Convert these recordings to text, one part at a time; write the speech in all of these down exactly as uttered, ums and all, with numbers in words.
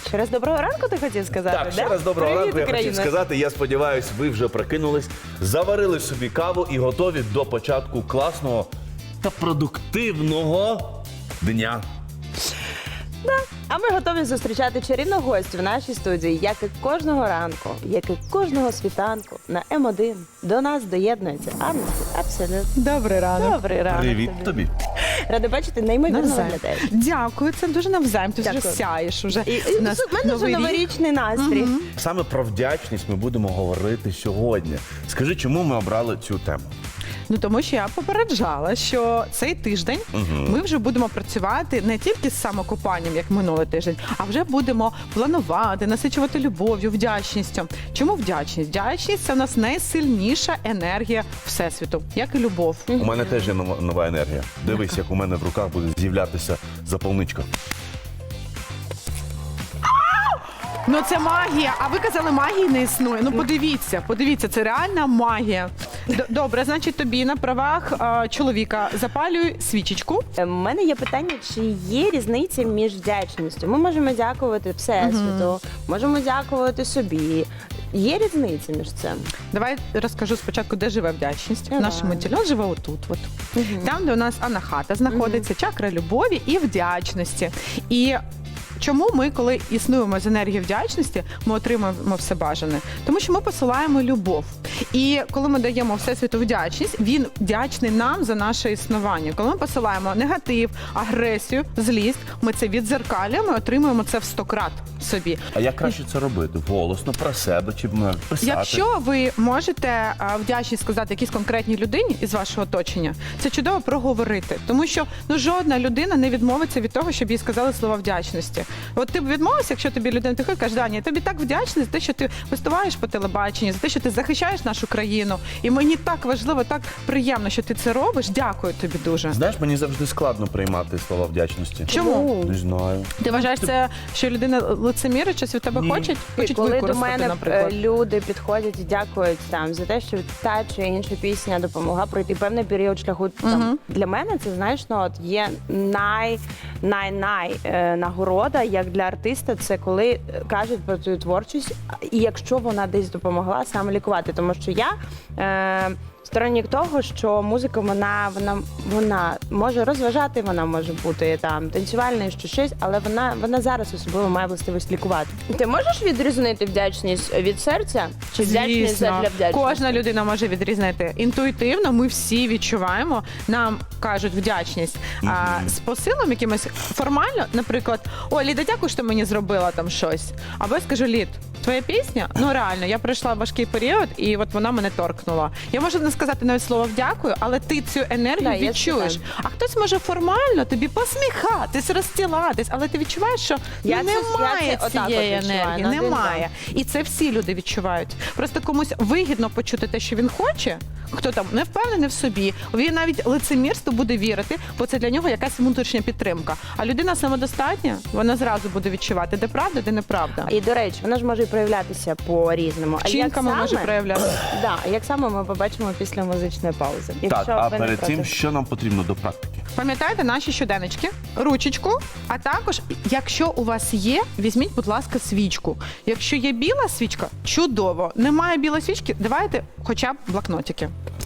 Ще раз доброго ранку ти хотів сказати, Так, да? ще раз доброго Привіт, ранку, я хотів Україна. сказати. Я сподіваюся, ви вже прокинулись, заварили собі каву і готові до початку класного та продуктивного дня. А ми готові зустрічати чарівну гостю в нашій студії, як і кожного ранку, як і кожного світанку на М один. До нас доєднується Анна. Абсолютно. Добрий ранок. Добрий ранок. Привіт тобі. Рада бачити, неймовірно Навзаєм. виглядаєш. Дякую, це дуже навзаєм. Ти вже Дякую. сяєш. Уже. І, і У нас в мене вже новий рік. новорічний настрій. Саме про вдячність ми будемо говорити сьогодні. Скажи, чому ми обрали цю тему? Ну тому що я попереджала, що цей тиждень ми вже будемо працювати не тільки з самокопанням, як минулий тиждень, а вже будемо планувати, насичувати любов'ю, вдячністю. Чому вдячність? Вдячність – це в нас найсильніша енергія Всесвіту, як і любов. У мене теж є нова, нова енергія. Дивись, як у мене в руках буде з'являтися заповничка. Ну це магія, а ви казали, магії не існує. Ну подивіться, подивіться, це реальна магія. Д- Добре, значить тобі на правах а, чоловіка запалюй свічечку. У мене є питання, чи є різниця між вдячністю? Ми можемо дякувати Всесвіту, можемо дякувати собі. Є різниця між цим? Давай розкажу спочатку, де живе вдячність. Давай. В нашому тілі він живе отут. От. Там, де у нас анахата знаходиться, чакра любові і вдячності. І чому ми, коли існуємо з енергією вдячності, ми отримуємо все бажане? Тому що ми посилаємо любов. І коли ми даємо Всесвіту вдячність, він вдячний нам за наше існування. Коли ми посилаємо негатив, агресію, злість, ми це віддзеркалюємо і отримуємо це в сто крат собі. А як краще це робити? Голосно, про себе чи м, писати? Якщо ви можете а, вдячність сказати якійсь конкретній людині із вашого оточення, це чудово проговорити. Тому що ну, жодна людина не відмовиться від того, щоб їй сказали слова вдячності. От ти б відмовився, якщо тобі людина приходить і каже, Даня, я тобі так вдячний за те, що ти виступаєш по телебаченню, за те, що ти захищаєш нашу країну. І мені так важливо, так приємно, що ти це робиш. Дякую тобі дуже. Знаєш, мені завжди складно приймати слова вдячності. Чому? Не знаю. Ти вважаєш це, що людина лицемірить, щось від тебе Ні. хочуть? І Хочуть коли до використати, мене наприклад. е, люди підходять і дякують там за те, що та чи інша пісня допомогла пройти певний період шляху. Там, для мене це, знаєш, ну, от є най, най, най е, нагорода, як для артиста, це коли е, кажуть про твою творчість, і якщо вона десь допомогла саме лікувати. Тому що я е, сторонник того, що музика, вона, вона, вона може розважати, вона може бути там танцювальною, що щось, але вона, вона зараз особливо має властивість лікувати. Ти можеш відрізнити вдячність від серця чи вдячність Звісно. для вдячності? Кожна людина може відрізнити. Інтуїтивно ми всі відчуваємо, нам кажуть вдячність. А, з посилом якимось формально, наприклад, о, Ліда, дякую, що ти мені зробила там щось. Або я скажу, Лід, твоя пісня, ну реально, я пройшла важкий період, і от вона мене торкнула. Я можу не сказати навіть слово вдякую, але ти цю енергію Да, я відчуєш. знаю. А хтось може формально тобі посміхатись, розстілатись, але ти відчуваєш, що Я ну, це- немає я це отак цієї от відчуваю, енергії, на один немає. І це всі люди відчувають. Просто комусь вигідно почути те, що він хоче, хто там не впевнений в собі, він навіть лицемірству буде вірити, бо це для нього якась внутрішня підтримка. А людина самодостатня, вона зразу буде відчувати, де правда, де неправда. І, до речі, вона ж може і проявлятися по-різному. А як Вчинками може саме- проявлятися. Да, як саме ми побачимо після музичної паузи. Так, а ви не перед проти. цим, що нам потрібно до практики? Пам'ятайте наші щоденнички, ручечку, а також, якщо у вас є, візьміть, будь ласка, свічку. Якщо є біла свічка, чудово. Немає білої свічки, давайте хоча б блокнотики.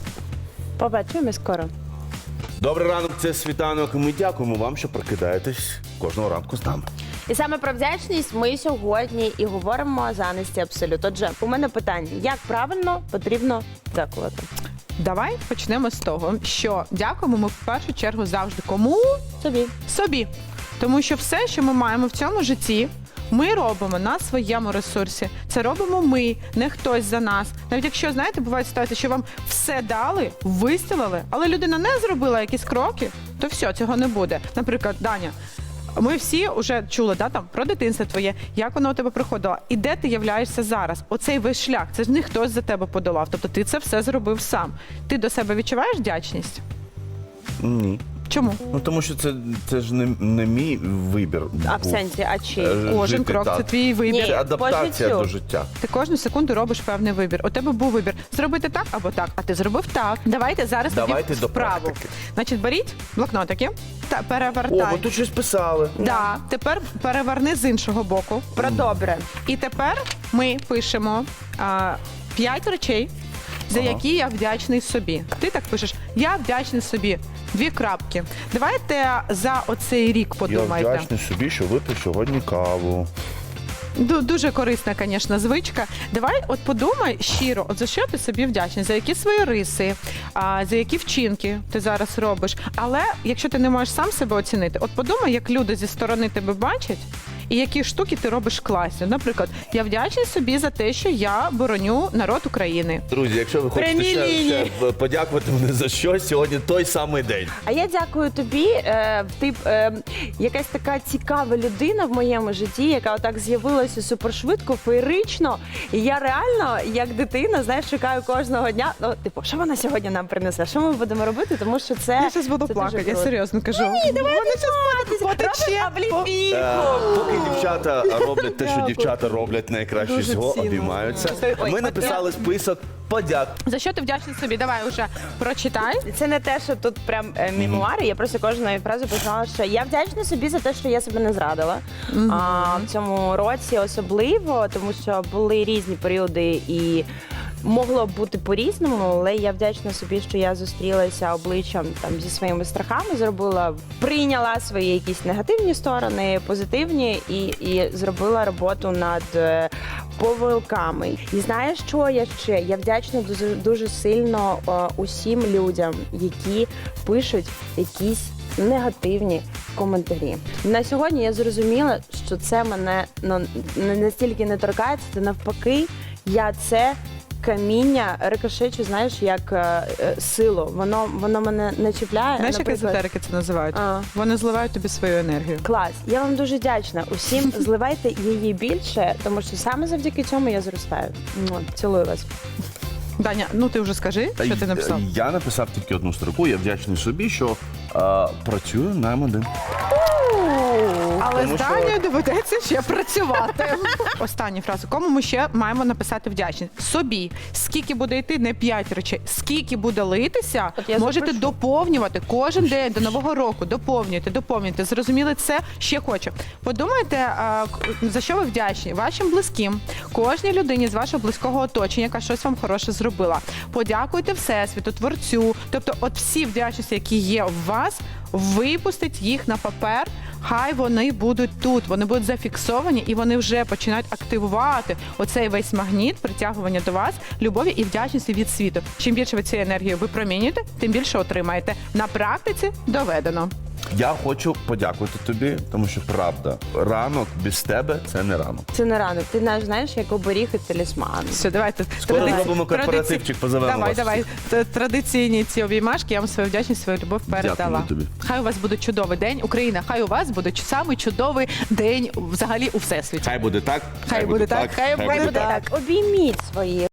Побачимо скоро. Добрий ранок, це світанок, і ми дякуємо вам, що прокидаєтесь кожного ранку з нами. І саме про вдячність ми сьогодні і говоримо з Анесті Абсолют. Отже, у мене питання, як правильно потрібно дякувати? Давай почнемо з того, що дякуємо ми в першу чергу завжди кому? Собі. Собі. Тому що все, що ми маємо в цьому житті, ми робимо на своєму ресурсі. Це робимо ми, не хтось за нас. Навіть якщо, знаєте, бувають ситуації, що вам все дали, вистілили, але людина не зробила якісь кроки, то все, цього не буде. Наприклад, Даня, ми всі вже чули, да, там, про дитинство твоє, як воно у тебе проходило, і де ти являєшся зараз. Оцей весь шлях, це ж не хтось за тебе подолав, тобто ти це все зробив сам. Ти до себе відчуваєш вдячність? Ні. Чому? Ну тому що це, це ж не, не мій вибір. А в був. сенсі, а чи? Е, Кожен жити крок так. це твій вибір. Ні. Це адаптація по життю. до життя. Ти кожну секунду робиш певний вибір. У тебе був вибір зробити так або так, а ти зробив так. Давайте зараз Давайте тоді до вправу. практики. Значить, беріть блокнотики та перевертай. О, ви тут щось писали. Да. Тепер переверни з іншого боку. Про добре. І тепер ми пишемо а, п'ять речей, за Ага. які я вдячний собі. Ти так пишеш: я вдячний собі. Дві крапки. Давайте за оцей рік Я подумайте. вдячний собі, що випив сьогодні каву. Ду- Дуже корисна, звісно, звичка. Давай, от подумай щиро, от за що ти собі вдячний, за які свої риси, а, за які вчинки ти зараз робиш. Але якщо ти не можеш сам себе оцінити, от подумай, як люди зі сторони тебе бачать. І які штуки ти робиш класні. Наприклад, я вдячний собі за те, що я бороню народ України. Друзі, якщо ви хочете Прямі ще, лінії. ще подякувати мені за щось, сьогодні той самий день. А я дякую тобі. Е, ти е, якась така цікава людина в моєму житті, яка отак з'явилася супершвидко, феєрично. І я реально, як дитина, знаєш, чекаю кожного дня. Ну, типу, що вона сьогодні нам принесе? Що ми будемо робити? Тому що це Я зараз буду це плакати, дуже я круто. серйозно кажу. Ні, давай Вони потече. потече. Е, Поки дівчата роблять те, що дівчата роблять найкраще Дуже всього, цінно. обіймаються. Ой, Ми написали список подяк. За що ти вдячний собі? Давай уже прочитай. Це не те, що тут прям е, мемуари. Я просто кожної фрази писала, що я вдячна собі за те, що я себе не зрадила. А, в цьому році особливо, тому що були різні періоди і. Могло б бути по-різному, але я вдячна собі, що я зустрілася обличчям там зі своїми страхами, зробила, прийняла свої якісь негативні сторони, позитивні, і, і зробила роботу над е, помилками. І знаєш, що я ще? Я вдячна дуже, дуже сильно е, усім людям, які пишуть якісь негативні коментарі. На сьогодні я зрозуміла, що це мене ну, не настільки не торкається, то навпаки, я це каміння рикошечу, знаєш, як е, е, силу. Воно, воно мене не чіпляє. Знаєш, як наприклад. езотерики це називають? А. Вони зливають тобі свою енергію. Клас. Я вам дуже вдячна. Усім зливайте її більше, тому що саме завдяки цьому я зростаю. Му, Цілую вас. Даня, ну ти вже скажи, Та що й- ти написав. Я написав тільки одну строку. Я вдячний собі, що е, працюю на М один. Але Тому з що- Данією доведеться ще працювати. Останню фразу. Кому ми ще маємо написати вдячність? Собі. Скільки буде йти, не п'ять речей. Скільки буде литися, От я можете запишу. доповнювати кожен день до Нового року. Доповнюйте, доповнюйте. Зрозуміли це? Ще хочу. Подумайте, а, к- за що ви вдячні? Вашим близьким, кожній людині з вашого близького оточення, яка щось вам хороше зробила. Подякуйте Всесвіту, Творцю. Тобто, от всі вдячності, які є в вас, випустить їх на папер. Хай вони будуть тут, вони будуть зафіксовані і вони вже починають активувати оцей весь магніт притягування до вас любові і вдячності від світу. Чим більше ви цієї енергії випромінюєте, тим більше отримаєте. На практиці доведено. Я хочу подякувати тобі, тому що правда, ранок без тебе це не ранок. Це не ранок. Ти знаєш, знаєш, як оберіг і талісман. Все, давайте. Скоро традиці- зробимо корпоративчик, позовемо Давай, вас давай. Т- Традиційні ці обіймашки, я вам свою вдячність, свою любов передала. Дякую тобі. Хай у вас буде чудовий день. Україна, хай у вас буде самий чудовий день взагалі у всесвіті. Хай буде так. Хай буде так, хай буде Обійміть свої